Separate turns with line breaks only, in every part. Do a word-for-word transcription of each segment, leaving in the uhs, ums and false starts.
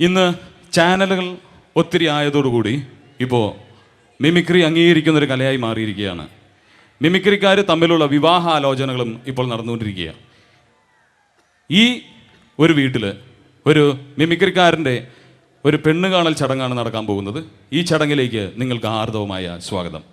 ഇന്ന് ചാനലുകൾ ഒത്തിരി ആയതോടുകൂടി ഇപ്പോൾ മിമിക്രി അംഗീകരിക്കുന്നൊരു കലയായി മാറിയിരിക്കുകയാണ്. മിമിക്രിക്കാർ തമ്മിലുള്ള വിവാഹാലോചനകളും ഇപ്പോൾ നടന്നുകൊണ്ടിരിക്കുകയാണ്. ഈ ഒരു വീട്ടിൽ ഒരു മിമിക്രിക്കാരൻ്റെ ഒരു പെണ്ണ് കാണൽ ചടങ്ങാണ് നടക്കാൻ പോകുന്നത്. ഈ ചടങ്ങിലേക്ക് നിങ്ങൾക്ക് ആർദവമായ സ്വാഗതം.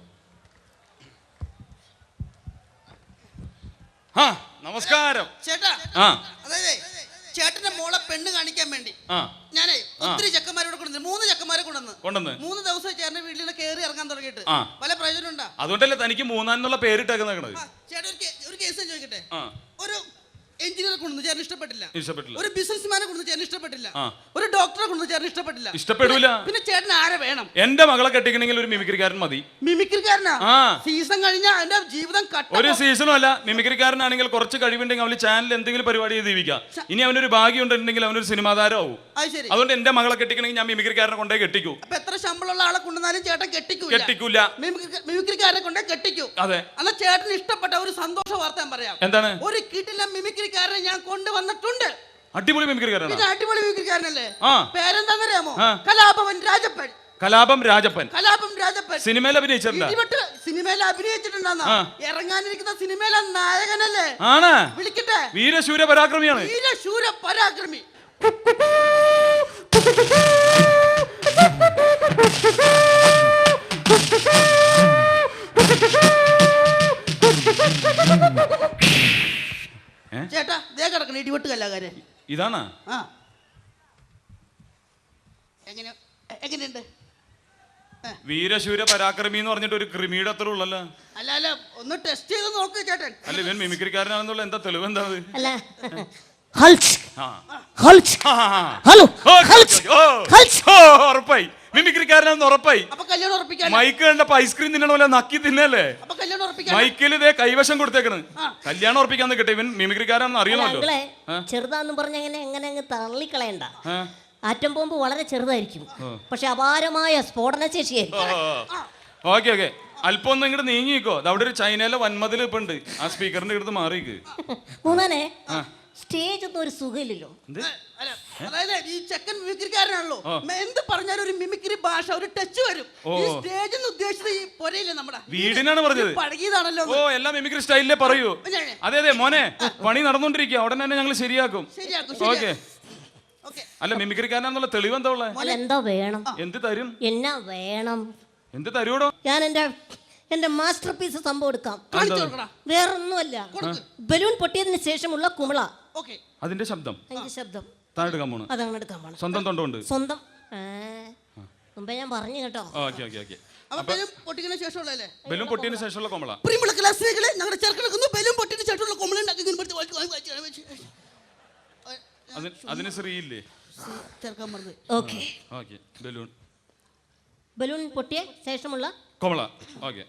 ആ നമസ്കാരം
ചേട്ടാ.
ആ
അതായത് ചേട്ടന്റെ മോളെ പെണ്ണ് കാണിക്കാൻ വേണ്ടി ഞാനേ ഒത്തിരി ചെക്കന്മാരോട് കൊണ്ടുവന്നു. മൂന്ന് ചെക്കന്മാരെ കൊണ്ടുവന്ന് കൊണ്ടുവന്ന് മൂന്ന് ദിവസം ചേട്ടന്റെ വീട്ടിൽ കയറി ഇറങ്ങാൻ തുടങ്ങിയിട്ട് പല പ്രയോജനം ഉണ്ടാ.
അതുകൊണ്ടല്ലേ തനിക്ക് മൂന്നാന്നുള്ള പേരിട്ടേക്കുന്നത്.
ചേട്ടൻ ഒരു കേസ് ചോദിക്കട്ടെ. ഒരു എഞ്ചിനീയറെ കൊണ്ടു ചേട്ടൻ ഇഷ്ടപ്പെട്ടില്ല, ഇഷ്ടപ്പെട്ടില്ല. ഒരു ബിസിനസ്മാനെ കൊണ്ടു ചേട്ടൻ ഇഷ്ടപ്പെട്ടില്ല, ഒരു ഡോക്ടറെ കൊണ്ടു ചേട്ടൻ ഇഷ്ടപ്പെട്ടില്ല, ഇഷ്ടപ്പെടില്ല. പിന്നെ ചേട്ടൻ ആരെ വേണം?
എന്റെ മകളെ കെട്ടിക്കണമെങ്കിൽ ഒരു മിമിക്രിക്കാരൻ മതി.
മിമിക്രിക്കാരനാ? സീസൺ കഴിഞ്ഞാൽ എന്റെ ജീവിതം കട്ട.
ഒരു സീസണും അല്ല. മിമിക്രിക്കാരനാണെങ്കിൽ കുറച്ച് കഴിവുണ്ടെങ്കിൽ അവന് ചാനൽ എന്തെങ്കിലും പരിപാടി ചെയ്ത് ജീവിക്കാം. ഇനി അവനൊരു ഭാഗ്യം ഉണ്ടെങ്കിൽ അവനൊരു സിനിമാ താരമാവും. അതുകൊണ്ട് എന്റെ മകളെ കെട്ടിക്കണമെങ്കിൽ ഞാൻ മിമിക്രിക്കാരനെ കൊണ്ടേ കെട്ടിക്കൂ.
അപ്പൊ എത്ര ശമ്പളമുള്ള ആളെ കൊണ്ടുവന്നാലും ചേട്ടൻ കെട്ടിക്കൂല.
കെട്ടിക്കൂല.
മിമിക്രിക്കാരനെ കൊണ്ടേ കെട്ടിക്കൂ. അതെ. എന്നാൽ ചേട്ടന് ഇഷ്ടപ്പെട്ട ഒരു സന്തോഷ വാർത്ത ഞാൻ പറയാം. എന്താണ്? ഒരു കിട്ടില്ല മിമിക്രിക്കാരനെ ഞാൻ കൊണ്ടുവന്നിട്ടുണ്ട്.
അടിപൊളി മിമിക്രിക്കാരനാണ്.
പിന്നെ അടിപൊളി മിമിക്രിക്കാരനല്ലേ? പേരെന്താണെന്നറിയാമോ? കലാഭവൻ രാജപ്പൻ.
കലാപം രാജപ്പൻ.
കലാപം രാജപ്പൻ
സിനിമയിൽ അഭിനയിച്ചിട്ടുണ്ട്.
സിനിമയിൽ അഭിനയിച്ചിട്ടുണ്ടെന്നാ? ഇറങ്ങാനിരിക്കുന്ന സിനിമയിലെ നായകനല്ലേ?
ആണ്.
വിളിക്കട്ടെ.
വീരശൂര പരാക്രമിയാണ്.
വീരശൂര പരാക്രമി. ചേട്ടാ ദേ കിടക്കണ ഇടിവെട്ട് കലാകാരൻ
ഇതാണ്.
ആ എങ്ങനെ എങ്ങനെയുണ്ട്?
വീരശൂര പരാക്രമി എന്ന് പറഞ്ഞിട്ട് ഒരു ക്രിമിയുടെ അത്ര ഉള്ളല്ലോ.
അല്ല അല്ല ഒന്ന് ടെസ്റ്റ് ചെയ്ത് നോക്ക് ചേട്ടൻ.
അല്ല ഇവൻ മിമിക്രിക്കാരനാണെന്നുള്ള എന്താ തെളിവ്? എന്താ
അല്ല
ഉറപ്പായി മിമിക്രിക്കാരനാണെന്ന് ഉറപ്പായി. മൈക്ക് കണ്ടപ്പോ ഐസ്ക്രീം തിന്നണ പോലെ നക്കി തിന്നല്ലേ? മൈക്കിൽ ഇതേ കൈവശം കൊടുത്തേക്കണ്. കല്യാണം ഉറപ്പിക്കാൻ നിൽക്കട്ടെ. ഇവൻ മിമിക്രിക്കാരാണെന്ന് അറിയണമല്ലോ.
ചെറുതാന്ന് പറഞ്ഞ എങ്ങനെ എങ്ങനെ അങ്ങ് തള്ളിക്കളയണ്ട. ആറ്റം ബോംബ് വളരെ ചെറുതായിരിക്കും, പക്ഷെ അപാരമായ സ്ഫോടന ശേഷിയായിരിക്കും.
ഓക്കെ ഓക്കെ അല്പം ഒന്ന് ഇങ്ങോട്ട് നീങ്ങിക്കോ. അവിടെ ഒരു ചൈനയിലെ വൻമതിൽ ഇപ്പൊ ഉണ്ട്. ആ സ്പീക്കറിന്റെ അടുത്ത് മാറിക്ക്.
മൂന്നാനെ സ്റ്റേജ് ഒന്നും ഒരു സുഖമില്ലല്ലോ.
അതായത് ഈ ചെക്കൻ മിമിക്രിക്കാരനാണല്ലോ, എന്ത് പറഞ്ഞാലും ഒരു മിമിക്രി ഭാഷ, ഒരു ടച്ച് വരും. ഈ സ്റ്റേജ് എന്ന് ഉദ്ദേശിച്ചത് ഈ പൊരയില്ലേ നമ്മുടെ വീടിനാണ് പറഞ്ഞത്. പഴകിയതാണല്ലോ. ഓ എല്ലാം മിമിക്രി സ്റ്റൈലിലേ പറയൂ.
അതെ അതെ മോനെ, പണി നടന്നുകൊണ്ടിരിക്കുക. ഉടനെ തന്നെ ഞങ്ങൾ ശരിയാക്കും. ഓക്കെ. അല്ല മിമിക്രിക്കാരനാന്നുള്ള തെളിവ് എന്താ ഉള്ളത്?
എന്താ വേണം?
എന്ത് തരും?
എന്നാ വേണം?
എന്ത് തരൂടോ?
ഞാൻ എന്റെ എന്റെ മാസ്റ്റർ പീസ് സംഭവം എടുക്കാം. വേറൊന്നുമല്ല, ബലൂൺ പൊട്ടിയതിന് ശേഷമുള്ള കുമിള.
അതിന്റെ ശബ്ദം
അതിന്റെ ശബ്ദം
താഴെടുക്കാൻ പോണു.
അതങ്ങനെ എടുക്കാൻ പോണം.
സ്വന്തം തൊണ്ടുണ്ട്.
സ്വന്തം മുമ്പേ ഞാൻ പറഞ്ഞു കേട്ടോ.
Okay okay okay.
ബലൂൺ പൊട്ടിയതിന് ശേഷമുള്ളല്ലേ?
ബലൂൺ പൊട്ടിയതിന് ശേഷമുള്ള കുമിള.
പ്രിയമുള്ള ക്ലാസ്സുകളെ, ഞങ്ങളുടെ ചെറുക്കനൊക്കെ ബലൂൺ പൊട്ടിയതിന് ശേഷമുള്ള കുമിള ഉണ്ടാക്കി.
അതിന് ശ്രീയില്ലേ?
ചേർക്കാൻ പറഞ്ഞത്.
Okay
okay. ബലൂൺ
ബലൂൺ പൊട്ടിയ ശേഷമുള്ള
കുമിള. ഓക്കെ.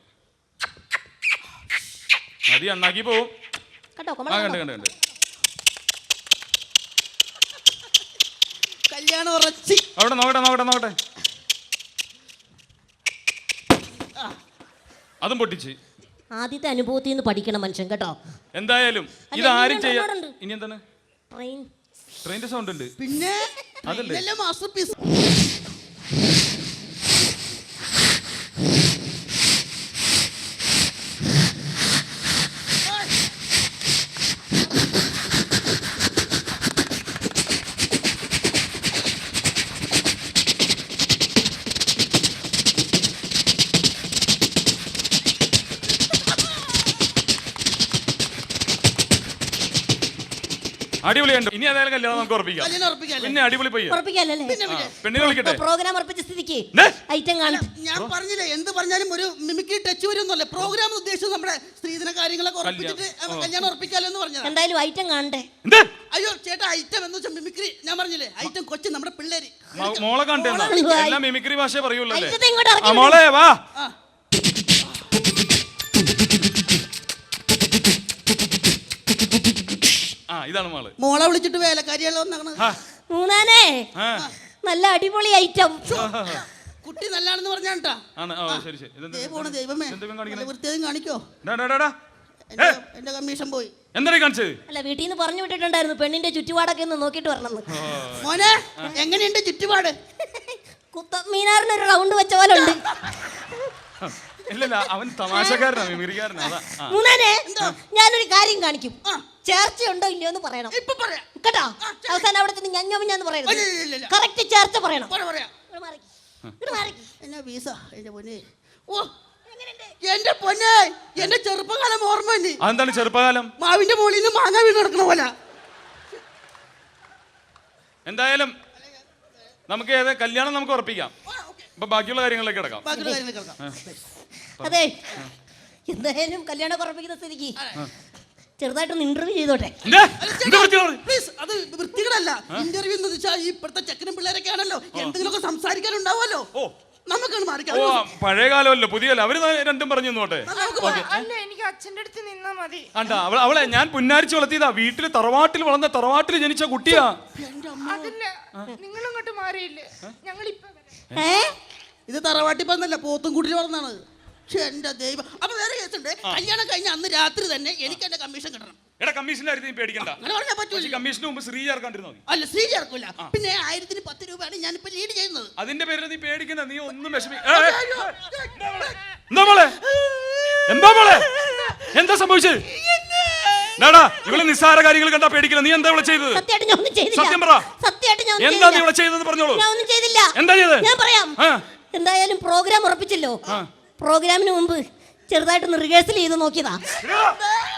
മതി, അണ്ണാക്കി പോവും
കേട്ടോ.
കണ്ട് കണ്ട് കണ്ട്
കല്യാണം ഉറച്ചി.
അവിടെ നോക്കട്ടെ നോക്കട്ടെ നോക്കട്ടെ. അതും പൊട്ടിച്ച്.
ആദ്യത്തെ അനുഭവത്തിൽ നിന്ന് പഠിക്കണം മനുഷ്യൻ കേട്ടോ.
എന്തായാലും ഇത് ആരും ചെയ്യാൻ. ഇനി എന്താണ്?
ട്രെയിൻ.
ട്രെയിനിന്റെ സൗണ്ട് ഉണ്ട്.
പിന്നെ അതല്ലേ മാസ്റ്റർ പീസ്.
അടിപൊളിയുണ്ട്. ഇനി ഏതായാലും കല്യാണം നമുക്ക് ഉറപ്പിക്കാം. പിന്നെ അടിപൊളി പയ്യ പെണ്ണിനെ വിളിക്കട്ടെ.
പ്രോഗ്രാം ഉറപ്പിച്ച സ്ഥിതിക്ക് ഐറ്റം കാണും.
ഞാൻ പറഞ്ഞില്ലേ, എന്ത് പറഞ്ഞാലും ഒരു മിമിക്രി ടച്ച് വരുന്നല്ലേ. പ്രോഗ്രാം ഉദ്ദേശിച്ചത് നമ്മുടെ സ്ത്രീധന കാര്യങ്ങളൊക്കെ ഉറപ്പിച്ചിട്ട് കല്യാണം ഉറപ്പിക്കാലോ എന്ന് പറഞ്ഞത്.
എന്തായാലും ഐറ്റം കാണണ്ടേ?
അയ്യോ ചേട്ടാ, ഐറ്റം എന്ന് വെച്ചാൽ മിമിക്രി. ഞാൻ പറഞ്ഞില്ലേ ഐറ്റം കൊച്ചു നമ്മുടെ പിള്ളേര്.
മോളെ കണ്ടേ? എല്ലാം മിമിക്രി ഭാഷ പറയുള്ളൂ.
മോളെ വാ.
ഇതാണ് മോള്.
മോളെ വിളിച്ചിട്ട് വേലക്കാരിയാലോ എന്നാണ്.
മൂന്നാനേ നല്ല അടിപൊളി ഐറ്റം.
കുട്ടി നല്ലാണെന്ന് പറഞ്ഞാട്ടാ.
ശരി ശരി.
ദൈവമേ വൃത്തിയും കാണിക്കോ. എന്റെ കമ്മീഷൻ പോയി.
എന്താ കാണിച്ചത്?
അല്ല, വീട്ടിൽ നിന്ന് പറഞ്ഞു വിട്ടിട്ടുണ്ടായിരുന്നു പെണ്ണിന്റെ ചുറ്റുപാടൊക്കെ ഒന്ന് നോക്കിട്ട് വരണം.
മോനെ എങ്ങനെയുണ്ട് ചുറ്റുപാട്?
കുത്തമ്മീനാറിന് ഒരു റൗണ്ട് വെച്ച പോലെ ഉണ്ട്.
ഇല്ലല്ല, അവൻ തമാശക്കാരനാ, മിമിക്രിക്കാരനാ.
മൂന്നാനെ ഞാനൊരു കാര്യം കാണിക്കും. ചേർച്ച ഉണ്ടോ ഇല്ലയോ എന്ന് പറയണം.
ഇപ്പൊ പറയാം
കേട്ടോ? അവസാനം അവിടെ ചെന്ന് ഞഞ്ഞാന്ന് പറയണം.
ഇല്ല, ഇല്ല.
കറക്റ്റ് ചേർച്ച പറയണം.
പറയാം.
ഇങ്ങട് മാറിക്ക്. ഇങ്ങട് മാറിക്ക്.
എന്നാ വീസ എന്റെ പൊന്നെ. ഓ എന്റെ പൊന്നെ, എന്റെ ചെറുപ്പകാലം ഓർമ്മ തന്നെ.
അതെന്താണ് ചെറുപ്പകാലം?
മാവിന്റെ മുകളിൽ നിന്ന് മാങ്ങ വീണ് കിടക്കണ പോലെ.
എന്തായാലും നമുക്ക് ഏത് കല്യാണം നമുക്ക് ഉറപ്പിക്കാം. ഇപ്പൊ ബാക്കിയുള്ള കാര്യങ്ങളിലേക്ക് കിടക്കാം.
ബാക്കിയുള്ള കാര്യങ്ങൾ കേൾക്കാം.
അതെ, എന്തായാലും കല്യാണം ഉറപ്പിക്കുന്ന സ്ഥിതിക്ക് ചെറുതായിട്ടൊന്ന് ഇന്റർവ്യൂ ചെയ്തോട്ടെ.
പ്ലീസ്, അത് വൃത്തികളല്ല. ഇന്റർവ്യൂ എന്ന് വെച്ചാൽ ഈ ഇപ്പോഴത്തെ ചെക്കനും പിള്ളേരൊക്കെ ആണല്ലോ, എന്തെങ്കിലുമൊക്കെ സംസാരിക്കാനുണ്ടാവുമല്ലോ. നമുക്കാണ് മാറിക്കാം.
ഓ, പഴയ കാലമല്ലോ പുതിയല്ലോ, അവര് രണ്ടും പറഞ്ഞു നോട്ടെ.
അല്ല, എനിക്ക് അച്ഛന്റെ അടുത്ത് നിന്നാ മതി.
ആണ്ടാ, അവളെ അവളെ ഞാൻ പുന്നാരിച്ച് വളർത്തിയതാ. വീട്ടില് തറവാട്ടിൽ വളർന്ന തറവാട്ടിൽ ജനിച്ച കുട്ടിയാ.
അതല്ല, നിങ്ങൾ ഇങ്ങോട്ട് മാറിയില്ലേ? ഞങ്ങൾ ഇപ്പൊ
ഇത് തറവാട്ടി പറഞ്ഞല്ല, പോത്തും കുട്ടി വളർന്നാണ്. പക്ഷെ എന്റെ ദൈവം. അപ്പൊ വേറെ കേസുണ്ട്. കല്യാണം കഴിഞ്ഞ അന്ന് രാത്രി തന്നെ എനിക്ക് എന്റെ കമ്മീഷൻ കിട്ടണം.
എടാ, കമ്മീഷന്റെ കാര്യത്തിൽ പേടിക്കണ്ട.
അങ്ങനെ പറഞ്ഞാൽ പറ്റൂല.
കമ്മീഷന് മുമ്പ് ശ്രീ ചേർക്കാണ്ടിരുന്നോ?
അല്ല, ശ്രീ ചേർക്കൂല. പിന്നെ ആയിരത്തിന് പത്ത് രൂപയാണ് ഞാനിപ്പോ ലീഡ് ചെയ്യുന്നത്.
അതിന്റെ പേരിൽ നീ പേടിക്കണ്ട. നീ ഒന്നും വിഷമി. എന്താ മോളെ? എന്താ മോളെ? എന്താ സംഭവിച്ചത്? നാടാ, ഇവള് നിസ്സാര കാര്യങ്ങൾ കണ്ടാ പേടിക്കണം. നീ എന്താ ഇവിടെ ചെയ്തത്? സത്യം പറ. എന്താ നീ ഇവിടെ ചെയ്തത്? പറഞ്ഞോളൂ. എന്താ ചെയ്തത്?
ഞാൻ പറയാം. എന്തായാലും പ്രോഗ്രാം ഉറപ്പിച്ചല്ലോ. പ്രോഗ്രാമിന് മുമ്പ് ചെറുതായിട്ടൊന്ന് റിഹേഴ്സൽ ചെയ്ത് നോക്കിയതാ.